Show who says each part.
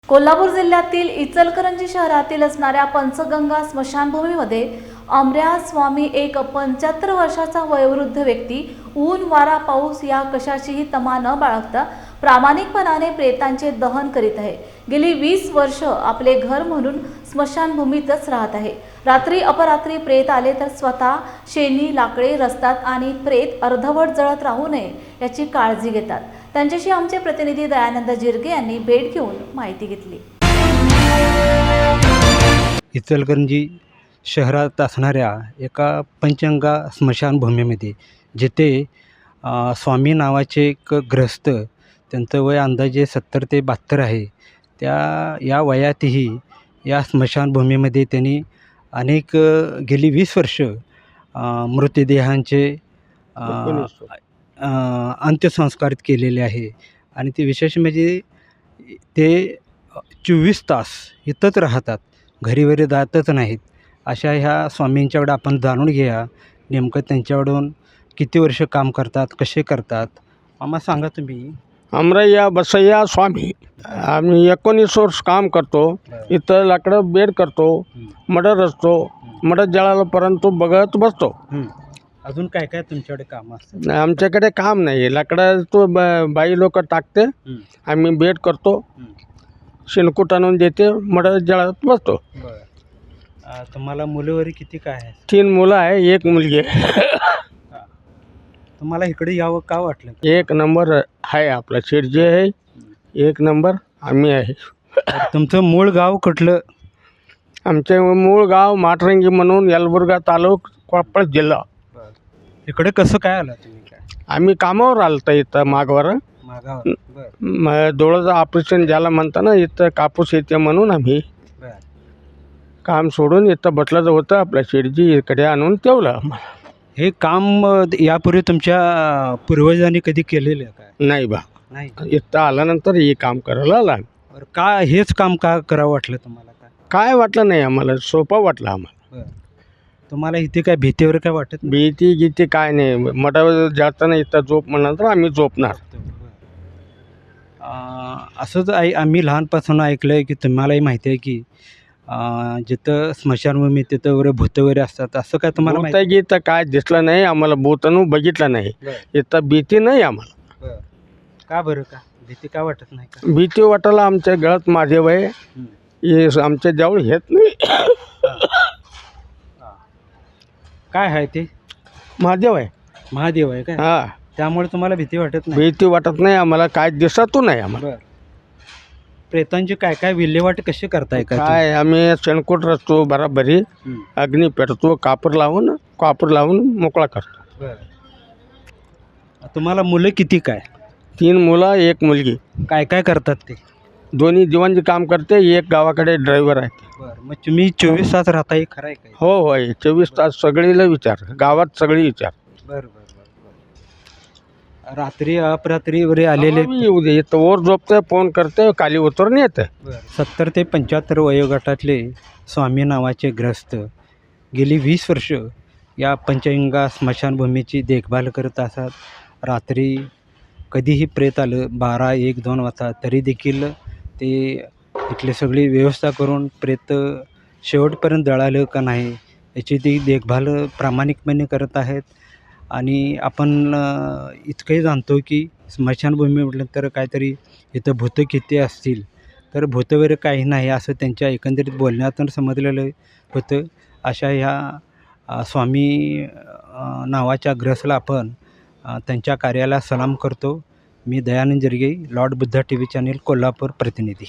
Speaker 1: कोल्हापूर जिल्ह्यातील इचलकरंजी शहरातील असणाऱ्या पंचगंगा स्मशानभूमीमध्ये अमऱ्या स्वामी एक 75 वर्षाचा वयोवृद्ध व्यक्ती ऊन वारा पाऊस या कशाचीही तमा न बाळगता प्रामाणिकपणाने प्रेतांचे दहन करीत आहे। गेली 20 वर्ष आपले घर म्हणून स्मशानभूमीतच राहत आहे। रात्री अपरात्री प्रेत आले तर स्वतः शेणी लाकडे रस्तात आणि प्रेत अर्धवट जळत राहू नये याची काळजी घेतात। त्यांच्याशी आमचे प्रतिनिधी दयानंद जिरगे यांनी भेट घेऊन माहिती घेतली।
Speaker 2: इचलकरंजी शहरात असणाऱ्या एका पंचगंगा स्मशानभूमीमध्ये जिथे स्वामी नावाचे एक ग्रस्त, त्यांचं वय अंदाजे 70 ते 72 आहे, या वयातही या स्मशानभूमीमध्ये त्यांनी अनेक गेली 20 वर्ष मृतदेहांचे अंत्यसंस्कार केलेले आहे। आणि ते विशेष म्हणजे ते 24 तास इथंच राहतात, घरी वगैरे जातच नाहीत। अशा ह्या स्वामींच्याकडं आपण जाणून घेऊया नेमकं त्यांच्याकडून किती वर्ष काम करतात, कसे करतात। मामा सांगा तुम्ही।
Speaker 3: अमरय्या बसय्या स्वामी, आम्ही 19 वर्ष काम करतो इथं। लाकडं बेड करतो, मडर असतो, मडर जळाला परंतु बघत बसतो।
Speaker 2: अजून काय काय तुमच्याकडे काम असतं?
Speaker 3: आमच्याकडे काम नाही, लाकडं तो बाई लोक टाकते, आम्ही बेड करतो, शेणकूट आणून देते, मडर जळात बसतो।
Speaker 2: तुम्हाला मुलं वगैरे किती काय आहे?
Speaker 3: 3 मुलं आहे, 1 मुलगी आहे।
Speaker 2: तुम्हाला इकडे यावं का वाटलं?
Speaker 3: 1 नंबर आहे आपला शिरजे आहे, 1 नंबर आम्ही आहे।
Speaker 2: तुमचं मूळ गाव कुठलं?
Speaker 3: आमचे मूळ गाव माटरंगी म्हणून, यलबुर्गा तालुका, कोल्हापूर जिल्हा।
Speaker 2: इकडे कसं काय आलं तुम्ही? काय
Speaker 3: आम्ही कामावर आलतो इथं मागावर, डोळ्याचं ऑपरेशन झालं म्हणताना इथं कापूस येते म्हणून आम्ही काम सोडून इथं बसलं होतं। आपल्या शिरजी इकडे आणून ठेवलं आम्हाला।
Speaker 2: हे काम यापूर्वी तुमच्या पूर्वजांनी कधी केलेलं आहे काय?
Speaker 3: नाही बा,
Speaker 2: नाही।
Speaker 3: इथं आल्यानंतर हे काम करायला आला।
Speaker 2: बरं, का हेच काम का करावं वाटलं तुम्हाला?
Speaker 3: काय वाटलं नाही आम्हाला, सोपं वाटलं आम्हाला।
Speaker 2: तुम्हाला इथे काय भीती वगैरे काय वाटत?
Speaker 3: भीती गीती काय नाही, मठावर जाताना इथं झोप म्हणलं तर आम्ही झोपणार।
Speaker 2: असंच आम्ही लहानपासून ऐकलं आहे की तुम्हालाही माहिती आहे की जिथं स्मशानभूमी तिथं वगैरे भूतं वगैरे असतात, असं काय तुम्हाला माहिती?
Speaker 3: गीत काय दिसलं नाही आम्हाला, भूतानू बघितलं नाही, इथं भीती नाही आम्हाला।
Speaker 2: का बरं, का भीती का वाटत नाही? का
Speaker 3: भीती वाटायला आमच्या गळ्यात महादेव आहे, हे आमच्या जवळ येत नाही।
Speaker 2: काय आहे ते?
Speaker 3: महादेव आहे।
Speaker 2: महादेव आहे काय?
Speaker 3: हां,
Speaker 2: त्यामुळे तुम्हाला भीती वाटत नाही?
Speaker 3: भीती वाटत नाही आम्हाला, काय दिसतो नाही आम्हाला।
Speaker 2: प्रेतांची काय काय विल्हेवाट कशी करताय?
Speaker 3: काय आम्ही शेणकूट रचतो, बराबरी अग्नी पेटतो, कापूर लावून मोकळा करतो।
Speaker 2: तुम्हाला मुलं किती काय?
Speaker 3: 3 मुलं 1 मुलगी।
Speaker 2: काय काय करतात ते?
Speaker 3: दोन्ही जीवनचे काम करते, एक गावाकडे ड्रायव्हर आहे।
Speaker 2: मग तुम्ही 24 तास राहता, हे खरं आहे काय?
Speaker 3: हो होय, 24 तास सगळीला विचार, गावात सगळी विचार।
Speaker 2: रात्री अपरात्री वगैरे आलेले
Speaker 3: येऊ दे, इथं वर झोपते, फोन करते, खाली उतरून येते।
Speaker 2: 70 ते 75 वयोगटातले स्वामी नावाचे ग्रस्त गेली 20 वर्ष या पंचगंगा स्मशानभूमीची देखभाल करत असतात। रात्री कधीही प्रेत आलं 12, 1, 2 वाजता तरी देखील ते इथली सगळी व्यवस्था करून प्रेत शेवटपर्यंत जळालं का नाही याची ती देखभाल प्रामाणिकपणे करत आहेत। आणि आपण इतकंही जाणतो की स्मशानभूमी म्हटलं तर काहीतरी इथं भूतं किती असतील, तर भूतं वगैरे काही नाही असं त्यांच्या एकंदरीत बोलण्यातून समजलेलं होतं। अशा ह्या स्वामी नावाच्या ग्रस्तला आपण त्यांच्या कार्याला सलाम करतो। मी Dayanand Jirge, Lord Buddha TV channel, Kolhapur प्रतिनिधी।